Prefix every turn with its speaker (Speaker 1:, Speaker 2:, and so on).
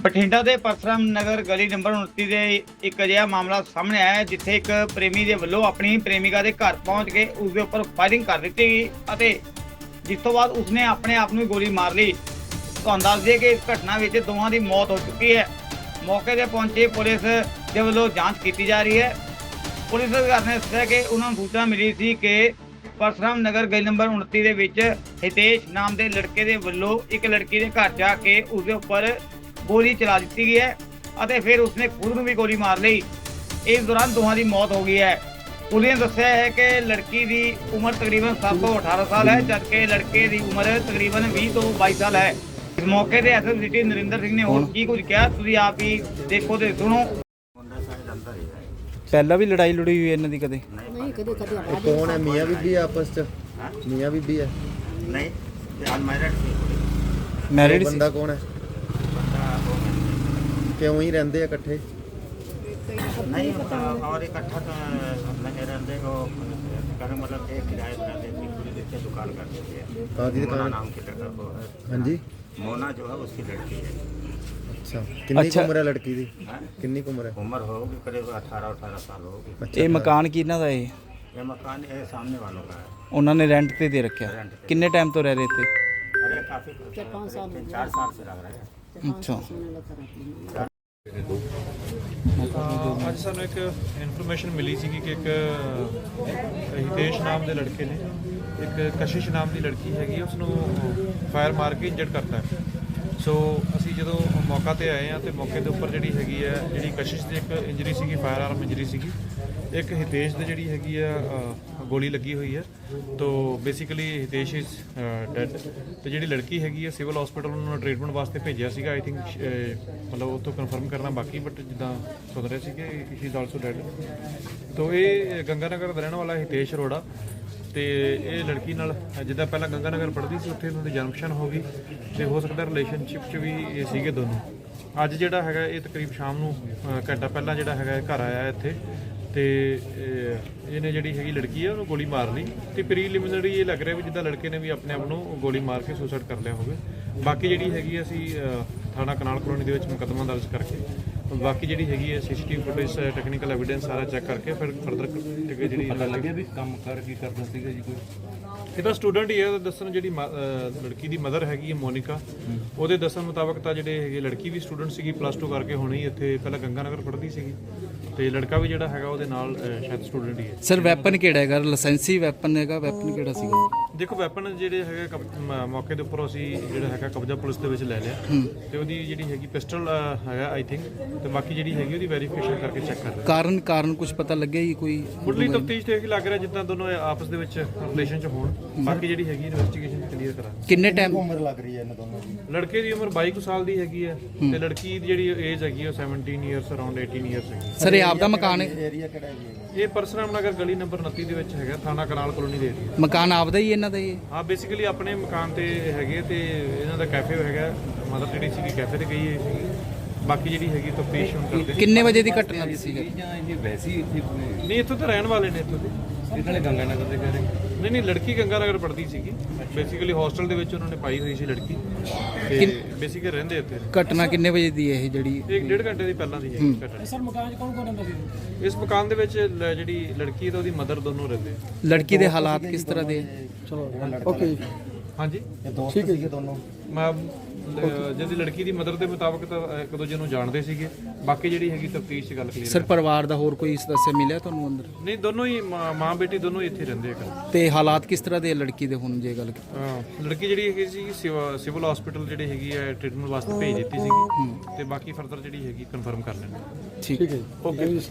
Speaker 1: ਬਠਿੰਡਾ ਦੇ ਪਰਸਰਾਮ ਨਗਰ ਗਲੀ ਨੰਬਰ 29 ਦੇ ਇੱਕ ਅਜਿਹਾ ਮਾਮਲਾ ਸਾਹਮਣੇ ਆਇਆ ਹੈ ਜਿੱਥੇ ਇੱਕ ਪ੍ਰੇਮੀ ਦੇ ਵੱਲੋਂ ਆਪਣੀ ਪ੍ਰੇਮਿਕਾ ਦੇ ਘਰ ਪਹੁੰਚ ਕੇ ਉਸ ਦੇ ਉੱਪਰ ਫਾਇਰਿੰਗ ਕਰ ਦਿੱਤੀ ਗਈ ਅਤੇ ਜਿਸ ਤੋਂ ਬਾਅਦ ਉਸਨੇ ਆਪਣੇ ਆਪ ਨੂੰ ਗੋਲੀ ਮਾਰ ਲਈ। ਤੁਹਾਨੂੰ ਦੱਸ ਦਈਏ ਕਿ ਇਸ ਘਟਨਾ ਵਿੱਚ ਦੋਵਾਂ ਦੀ ਮੌਤ ਹੋ ਚੁੱਕੀ ਹੈ। ਮੌਕੇ ਤੇ ਪਹੁੰਚੀ ਪੁਲਿਸ ਦੇ ਵੱਲੋਂ ਜਾਂਚ ਕੀਤੀ ਜਾ ਰਹੀ ਹੈ। ਪੁਲਿਸ ਅਧਿਕਾਰੀ ਨੇ ਦੱਸਿਆ ਕਿ ਉਹਨਾਂ ਨੂੰ ਸੂਚਨਾ ਮਿਲੀ ਸੀ ਕਿ ਪਰਸਰਾਮ ਨਗਰ ਗਲੀ ਨੰਬਰ 29 ਦੇ ਵਿੱਚ ਹਿਤੇਸ਼ ਨਾਮ ਦੇ ਲੜਕੇ ਦੇ ਵੱਲੋਂ ਇੱਕ ਲੜਕੀ ਦੇ ਘਰ ਜਾ ਕੇ ਉਸ ਦੇ ਉੱਪਰ ਗੋਲੀ ਚਲਾ ਦਿੱਤੀ ਗਈ ਹੈ ਅਤੇ ਫਿਰ ਉਸਨੇ ਖੁਦ ਨੂੰ ਵੀ ਗੋਲੀ ਮਾਰ ਲਈ। ਇਸ ਦੌਰਾਨ ਦੋਹਾਂ ਦੀ ਮੌਤ ਹੋ ਗਈ ਹੈ। ਪੁਲਿਸ ਨੇ ਦੱਸਿਆ ਹੈ ਕਿ ਲੜਕੀ ਦੀ ਉਮਰ ਤਕਰੀਬਨ 7 ਤੋਂ 18 ਸਾਲ ਹੈ ਜਦਕਿ ਲੜਕੇ ਦੀ ਉਮਰ ਤਕਰੀਬਨ 20 ਤੋਂ 22 ਸਾਲ ਹੈ। ਇਸ ਮੌਕੇ ਤੇ ਐਸਐਸ ਸਿਟੀ ਨਰਿੰਦਰ ਸਿੰਘ ਨੇ ਹੋਰ ਕੀ ਕੁਝ ਕਿਹਾ ਤੁਸੀਂ ਆਪ ਹੀ ਦੇਖੋ ਤੇ ਸੁਣੋ।
Speaker 2: ਪਹਿਲਾਂ ਵੀ ਲੜਾਈ ਲੜੀ ਹੋਈ ਇਹਨਾਂ ਦੀ ਕਦੇ?
Speaker 3: नहीं कदे कदे
Speaker 4: ये कौन है? मियाँ बीबी है आपस च? मियाँ बीबी है?
Speaker 5: नहीं ये अनमैरिड सी
Speaker 2: ਮੈਰਿਡ
Speaker 4: वो
Speaker 2: ਸੀ?
Speaker 4: बंदा कौन है? क्यों ही रहते हैं इकट्ठे?
Speaker 5: नहीं और इकट्ठा तो नहीं रहते वो कहने मतलब एक किराए पर रहते थे पूरी देखते दुकान करते थे।
Speaker 4: कहाँ की
Speaker 5: मोना
Speaker 4: दुकान?
Speaker 5: नाम की लड़का वो है।
Speaker 4: हाँ जी।
Speaker 5: मोना जो है उसकी लड़की है।
Speaker 4: अच्छा कितनी
Speaker 2: अच्छा।
Speaker 4: उम्र है लड़की की?
Speaker 5: हाँ?
Speaker 4: कितनी उम्र है?
Speaker 5: उम्र होगी करीब 18 साल होगी।
Speaker 4: अच्छा,
Speaker 2: ਇਹ ਮਕਾਨ ਕਿਹਨਾਂ ਦਾ ਇਹ?
Speaker 5: ये मकान ये सामने वालों का है।
Speaker 2: ਉਹਨਾਂ ਨੇ ਰੈਂਟ ਤੇ ਦੇ ਰੱਖਿਆ?
Speaker 5: रेंट पे।
Speaker 2: ਕਿੰਨੇ ਟਾਈਮ ਤੋਂ ਰਹਿ ਰਹੇ ਤੇ?
Speaker 5: अरे काफी
Speaker 3: 4-5 साल हो
Speaker 5: 4 साल से लग रहा है।
Speaker 2: ਅੱਛਾ।
Speaker 6: ਅੱਜ ਸਾਨੂੰ ਇੱਕ ਇਨਫੋਰਮੇਸ਼ਨ ਮਿਲੀ ਸੀ ਕਿ ਇੱਕ ਹਿਤੇਸ਼ ਨਾਮ ਦੇ ਲੜਕੇ ਨੇ ਇੱਕ ਕਸ਼ਿਸ਼ ਨਾਮ ਦੀ ਲੜਕੀ ਹੈਗੀ ਉਸ ਨੂੰ ਫਾਇਰ ਮਾਰ ਕੇ ਇੰਜਰਡ ਕਰਤਾ ਹੈ। ਸੋ ਅਸੀਂ ਜਦੋਂ ਮੌਕਾ ਤੇ ਆਏ ਆ ਤੇ ਮੌਕੇ ਦੇ ਉੱਪਰ ਜਿਹੜੀ ਹੈਗੀ ਹੈ ਜਿਹੜੀ ਕਸ਼ਿਸ਼ ਦੀ ਇੱਕ ਇੰਜਰੀ ਸੀਗੀ ਫਾਇਰ ਆਰਮ ਇੰਜਰੀ ਸੀਗੀ, ਇੱਕ ਹਿਤੇਸ਼ ਦੀ ਜਿਹੜੀ ਹੈਗੀ ਆ ਗੋਲੀ ਲੱਗੀ ਹੋਈ ਹੈ। ਤੋ ਬੇਸਿਕਲੀ ਹਿਤੇਸ਼ ਇਜ਼ ਡੈਡ ਤੇ ਜਿਹੜੀ ਲੜਕੀ ਹੈਗੀ ਹੈ ਸਿਵਲ ਹਸਪੀਟਲ ਨੂੰ ਟ੍ਰੀਟਮੈਂਟ ਵਾਸਤੇ ਭੇਜਿਆ ਸੀਗਾ। ਆਈ ਥਿੰਕ ਮਤਲਬ ਉੱਥੋਂ ਕਨਫਰਮ ਕਰਨਾ ਬਾਕੀ ਬਟ ਜਿੱਦਾਂ ਸੁਣ ਰਹੇ ਸੀ ਕਿ ਇਟ ਇਜ਼ ਆਲਸੋ ਡੈਡ। ਤੋ ਇਹ ਗੰਗਾਨਗਰ ਦਾ ਰਹਿਣ ਵਾਲਾ ਹਿਤੇਸ਼ ਅਰੋੜਾ ਤੇ ਇਹ ਲੜਕੀ ਨਾਲ ਜਿੱਦਾਂ ਪਹਿਲਾਂ ਗੰਗਾਨਗਰ ਪੜ੍ਹਦੀ ਸੀ ਉੱਥੇ ਉਹਨਾਂ ਦੀ ਜਨਮਸ਼ਨ ਹੋ ਗਈ ਤੇ ਹੋ ਸਕਦਾ ਰਿਲੇਸ਼ਨਸ਼ਿਪ 'ਚ ਵੀ ਇਹ ਸੀਗੇ ਦੋਨੋਂ। ਅੱਜ ਜਿਹੜਾ ਹੈਗਾ ਇਹ ਤਕਰੀਬ ਸ਼ਾਮ ਨੂੰ ਘੰਟਾ ਪਹਿਲਾਂ ਜਿਹੜਾ ਹੈਗਾ ਘਰ ਆਇਆ ਇੱਥੇ ਤੇ ਇਹਨੇ ਜਿਹੜੀ ਹੈਗੀ ਲੜਕੀ ਹੈ ਉਹਨੂੰ ਗੋਲੀ ਮਾਰ ਲਈ ਤੇ ਪ੍ਰੀਲਿਮਿਨਰੀ ਇਹ ਲੱਗ ਰਿਹਾ ਵੀ ਜਿੱਦਾਂ ਲੜਕੇ ਨੇ ਵੀ ਆਪਣੇ ਆਪ ਨੂੰ ਗੋਲੀ ਮਾਰ ਕੇ ਸੁਸਾਈਡ ਕਰ ਲਿਆ ਹੋਵੇ। ਬਾਕੀ ਜਿਹੜੀ ਹੈਗੀ ਅਸੀਂ ਥਾਣਾ ਕਨਾਲ ਕਲੋਨੀ ਦੇ ਵਿੱਚ ਮੁਕੱਦਮਾ ਦਰਜ ਕਰਕੇ ਬਾਕੀ ਜਿਹੜੀ ਹੈਗੀ ਹੈ ਸੀਸੀਟੀਵੀ ਫੁਟੇਜ ਟੈਕਨੀਕਲ ਐਵੀਡੈਂਸ ਸਾਰਾ ਚੈੱਕ ਕਰਕੇ ਫਿਰ ਫਰਦਰ ਜਿਹੜੀ ਪਤਾ ਲੱਗਿਆ ਵੀ ਕੰਮ ਕਰ ਕੀ ਕਰਦਾ ਸੀਗਾ ਜੀ ਕੋਈ ਇਹਦਾ ਸਟੂਡੈਂਟ ਹੀ ਹੈ। ਦੱਸਣ ਜਿਹੜੀ ਲੜਕੀ ਦੀ ਮਦਰ ਹੈਗੀ ਹੈ ਮੋਨਿਕਾ ਉਹਦੇ ਦੱਸਣ ਮੁਤਾਬਕ ਤਾਂ ਜਿਹੜੇ ਹੈਗੇ ਲੜਕੀ ਵੀ ਸਟੂਡੈਂਟ ਸੀਗੀ +2 ਕਰਕੇ ਹੁਣੇ ਹੀ ਇੱਥੇ ਪਹਿਲਾਂ ਗੰਗਾਨਗਰ ਪੜ੍ਹਦੀ ਸੀਗੀ ਤੇ ਲੜਕਾ ਵੀ ਜਿਹੜਾ ਹੈਗਾ ਉਹਦੇ ਨਾਲ ਸ਼ਾਇਦ ਸਟੂਡੈਂਟ ਹੀ ਹੈ।
Speaker 2: ਸਰ ਵੈਪਨ ਕਿਹੜਾ ਹੈਗਾ? ਲਾਇਸੈਂਸੀ ਵੈਪਨ ਹੈਗਾ? ਵੈਪਨ ਕਿਹੜਾ ਸੀਗਾ?
Speaker 6: ਦੇਖੋ ਵੈਪਨ ਜਿਹੜੇ ਹੈਗੇ ਮੌਕੇ ਦੇ ਉੱਪਰ ਅਸੀਂ ਜਿਹੜਾ ਹੈਗਾ ਕਬਜ਼ਾ ਪੁਲਿਸ ਦੇ ਵਿੱਚ ਲੈ ਲਿਆ ਤੇ ਉਹਦੀ ਜਿਹੜੀ ਹੈਗੀ ਪਿਸਟਲ ਹੈਗਾ ਆਈ ਥਿੰਕ ਤੇ ਬਾਕੀ ਜਿਹੜੀ ਹੈਗੀ ਉਹਦੀ ਵੈਰੀਫਿਕੇਸ਼ਨ ਕਰਕੇ ਚੈੱਕ ਕਰ ਰਹੇ
Speaker 2: ਕਾਰਨ ਕੁਝ ਪਤਾ ਲੱਗਿਆ ਜੀ ਕੋਈ?
Speaker 6: ਮੁੱਢਲੀ ਤਫਤੀਸ਼ ਤੇ ਇਹ ਲੱਗ ਰਿਹਾ ਜਿੱਦਾਂ ਦੋਨੋਂ ਆਪਸ ਦੇ ਵਿੱਚ ਰਿਲੇਸ਼ਨ 'ਚ ਹੋਣ। ਬਾਕੀ ਜਿਹੜੀ ਹੈਗੀ ਇਨਵੈਸਟੀਗੇਸ਼ਨ ਕਲੀਅਰ ਕਰਾਂਗੇ।
Speaker 2: ਕਿੰਨੇ ਟਾਈਮ?
Speaker 4: उम्र लग रही है इन दोनों की?
Speaker 6: ਲੜਕੇ ਦੀ ਉਮਰ 22 ਸਾਲ ਦੀ ਹੈਗੀ ਹੈ ਤੇ ਲੜਕੀ ਦੀ ਜਿਹੜੀ ਏਜ ਹੈਗੀ ਉਹ 17 ਇਅਰਸ ਅਰਾਊਂਡ 18 ਇਅਰਸ ਹੈਗੀ।
Speaker 2: ਸਰ ਇਹ ਆਪਦਾ ਮਕਾਨ ਹੈ?
Speaker 4: एरिया केड़ा है जी?
Speaker 6: ਇਹ ਪਰਸਰਾਮ ਨਗਰ ਗਲੀ ਨੰਬਰ 29 ਦੇ ਵਿੱਚ ਹੈਗਾ ਥਾਣਾ ਕਨਾਲ ਕਲੋਨੀ ਦੇ ਏਰੀਆ।
Speaker 2: ਮਕਾਨ ਆਪਦਾ ਹੀ ਇਹਨਾਂ ਦਾ ਹੀ ਹੈ?
Speaker 6: ਹਾਂ ਬੇਸਿਕਲੀ ਆਪਣੇ ਮਕਾਨ ਤੇ ਹੈਗੇ ਤੇ ਇਹਨਾਂ ਦਾ ਕੈਫੇ ਹੈਗਾ ਮਦਰ ਜਿਹੜੀ ਸੀਗੀ ਕੈਫੇ ਤੇ ਗਈ ਹੈ। ਬਾਕੀ ਜਿਹੜੀ ਹੈਗੀ ਤਫਤੀਸ਼ ਹੁਣ ਕਰਦੇ
Speaker 2: ਕਿੰਨੇ ਵਜੇ ਦੀ ਘਟਨਾ ਦੀ ਸੀਗੀ?
Speaker 6: ਨਹੀਂ ਇੱਥੋਂ ਤਾਂ ਰਹਿਣ ਵਾਲੇ ਨੇ ਇੱਥੋਂ ਦੇ ਨਾਲੇ ਗੰਗਾਨਗਰ ਦੇ ਘਰੇ ਨਹੀਂ ਲੜਕੀ ਗੰਗਾਨਗਰ ਪੜ੍ਹਦੀ ਸੀਗੀ ਬੇਸਿਕਲੀ ਹੋਸਟਲ ਦੇ ਵਿੱਚ ਉਹਨਾਂ ਨੇ ਪਾਈ ਹੋਈ ਸੀ ਲੜਕੀ ਤੇ ਬੇਸਿਕਲੀ ਰਹਿੰਦੇ ਇੱਥੇ।
Speaker 2: ਘਟਨਾ ਕਿੰਨੇ ਵਜੇ ਦੀ ਹੈ ਇਹ ਜਿਹੜੀ?
Speaker 6: 1.5 ਘੰਟੇ ਦੀ ਪਹਿਲਾਂ ਦੀ ਹੈ ਘਟਨਾ।
Speaker 3: सर मकान च कौन रहंदा सी?
Speaker 6: ਇਸ ਮਕਾਨ ਦੇ ਵਿੱਚ ਜਿਹੜੀ ਲੜਕੀ ਤੇ ਉਹਦੀ ਮਦਰ ਦੋਨੋਂ ਰਹਿੰਦੇ।
Speaker 2: ਲੜਕੀ ਦੇ ਹਾਲਾਤ ਕਿਸ ਤਰ੍ਹਾਂ ਦੇ?
Speaker 4: ओके
Speaker 6: ਹਾਂਜੀ
Speaker 4: ये दोस्त सीगे दोनों?
Speaker 6: ਮੈਂ ਜਿਹਦੀ ਲੜਕੀ ਦੀ ਮਦਰ ਦੇ ਮੁਤਾਬਕ ਤਾਂ ਇੱਕ ਦੂਜੇ ਨੂੰ ਜਾਣਦੇ ਸੀਗੇ। ਬਾਕੀ ਜਿਹੜੀ ਹੈਗੀ ਤਫਤੀਸ਼ 'ਚ ਗੱਲ ਕਲੀਅਰ
Speaker 2: ਸਰ ਪਰਿਵਾਰ ਦਾ ਹੋਰ ਕੋਈ ਸਦੱਸਿਆ ਮਿਲਿਆ ਤੁਹਾਨੂੰ ਅੰਦਰ?
Speaker 6: ਨਹੀਂ ਦੋਨੋਂ ਹੀ ਮਾਂ ਬੇਟੀ ਦੋਨੋਂ ਹੀ ਇੱਥੇ ਰਹਿੰਦੇ ਆ।
Speaker 2: ਤੇ ਹਾਲਾਤ ਕਿਸ ਤਰ੍ਹਾਂ ਦੇ ਆ ਲੜਕੀ ਦੇ ਹੁਣ ਜੇ ਗੱਲ
Speaker 6: ਲੜਕੀ ਜਿਹੜੀ ਹੈਗੀ ਸੀ ਸਿਵਲ ਹਸਪੀਟਲ ਜਿਹੜੀ ਹੈਗੀ ਹੈ ਟ੍ਰੀਟਮੈਂਟ ਵਾਸਤੇ ਭੇਜ ਦਿੱਤੀ ਸੀਗੀ ਤੇ ਬਾਕੀ ਫਰਦਰ ਜਿਹੜੀ ਹੈਗੀ ਕਨਫਰਮ ਕਰ ਲੈਣੀ।
Speaker 2: ਠੀਕ ਹੈ ਓਕੇ।